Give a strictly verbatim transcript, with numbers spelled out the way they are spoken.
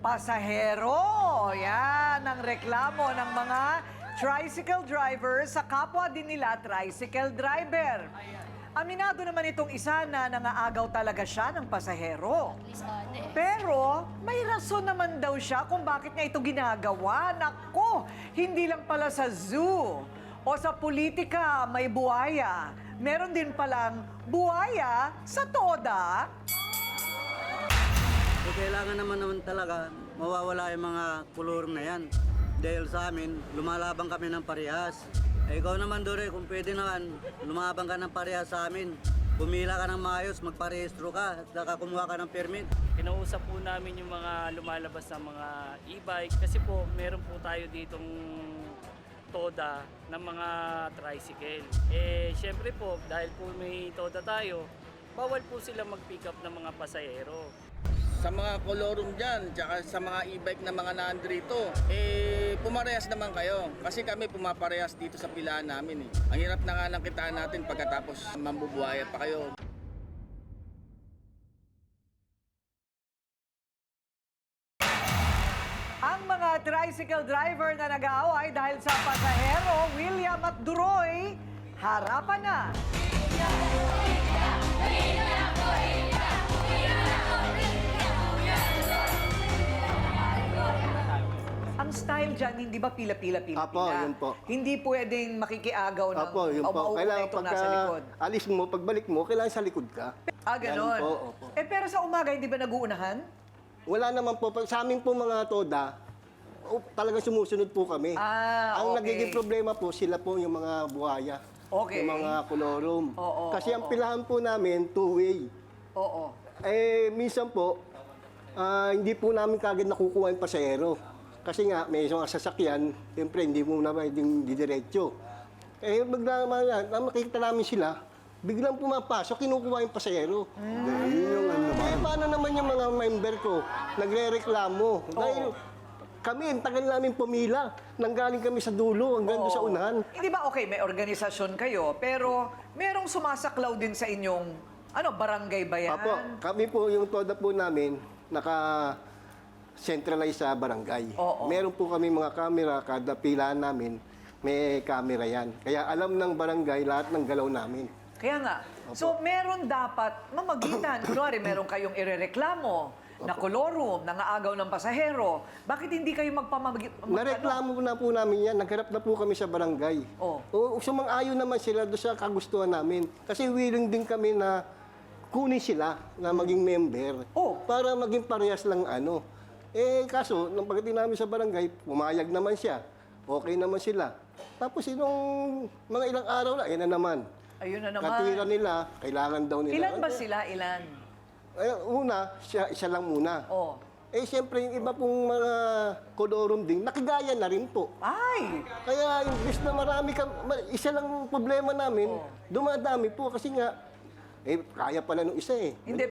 pasahero. Yan ang reklamo ng mga tricycle drivers sa kapwa din nila tricycle driver. Aminado naman itong isa na nangaagaw talaga siya ng pasahero. Pero may rason naman daw siya kung bakit niya ito ginagawa. Nako, hindi lang pala sa zoo o sa politika may buhaya. Meron din palang buhaya sa toda. So, kailangan naman naman talaga mawawala yung mga kolorum na yan. Dahil sa amin, lumalaban kami ng parehas. Eh, ikaw naman, Dore, kung pwede naman, lumaban ka ng parehas sa amin. Pumila ka ng maayos, magparehistro ka, at saka kumuha ka ng permit. Kinausap po namin yung mga lumalabas na mga e-bike kasi po meron po tayo ditong toda ng mga tricycle. Eh, syempre po, dahil po may toda tayo, bawal po sila mag-pick up ng mga pasahero. Sa mga kolorum dyan, tsaka sa mga e-bike na mga nandrito, eh, pumarehas naman kayo. Kasi kami pumaparehas dito sa pilaan namin eh. Ang hirap na nga ng kitaan natin pagkatapos mambubuhaya pa kayo. Ang mga tricycle driver na nag-aaway dahil sa pasahero, William at Duroy, harapan na. Ang style dyan, hindi ba pila-pila-pila? Apo, yun po. Hindi pwedeng makikiagaw ng Opo, yun o po. mauuna Kailangan itong pagka nasa likod. alis mo, pagbalik mo, kailangan sa likod ka. Ah, ganon. Ganun po, opo. Eh, pero sa umaga, hindi ba nag-uunahan? Wala naman po. Pag- Sa amin po mga toda, oh, talagang sumusunod po kami. Ah, Ang okay. nagiging problema po, sila po yung mga buhaya. Okay. Yung mga kolorum. Oo, Kasi oo, ang pilahan po namin, two-way. Oo. Eh, minsan po, ah, hindi po namin kagad nakukuha yung pasahero. Kasi nga, may isang sasakyan, siyempre hindi mo na pwedeng didiretso. Eh, bigla naman yan, na makikita namin sila, biglang pumapasok, kinukuha yung pasahero. Hmm. Yun yung ano naman. Eh, paano naman yung mga member ko, nagre-reklamo? Dahil kami, ang tagal namin pumila. Nanggaling kami sa dulo hanggang doon sa unahan. Hindi ba, okay, may organisasyon kayo, pero merong sumasaklaw din sa inyong, ano, barangay ba yan? Apo, kami po, yung toda po namin, naka centralize sa barangay. Oo. Meron po kami mga camera, kada pilaan namin, may camera yan. Kaya alam ng barangay lahat ng galaw namin. Kaya nga. So, meron dapat mamagitan. Kunwari, meron kayong irereklamo na kolorum, nangaagaw ng pasahero. Bakit hindi kayo magpamag... mag- Nareklamo na po namin yan. Nagharap na po kami sa barangay. Oh. O, sumang-ayon naman sila doon sa kagustuhan namin. Kasi willing din kami na kunin sila na maging member. Oh. Para maging parehas lang ano. Eh, kaso, nung pagdating namin sa barangay, pumayag naman siya. Okay naman sila. Tapos, inong mga ilang araw na, eh na naman. Ayun na naman. Katwiran nila, kailangan daw nila. Ilan ba sila? Ilan? Eh, una, siya, siya lang muna. Oh. Eh, siyempre, yung iba pong mga kolorum din, nakigaya na rin po. Ay! Kaya, imbes na marami ka, ma- isa lang problema namin, Oh. dumadami po kasi nga, eh, kaya pala nung isa eh. Hindi.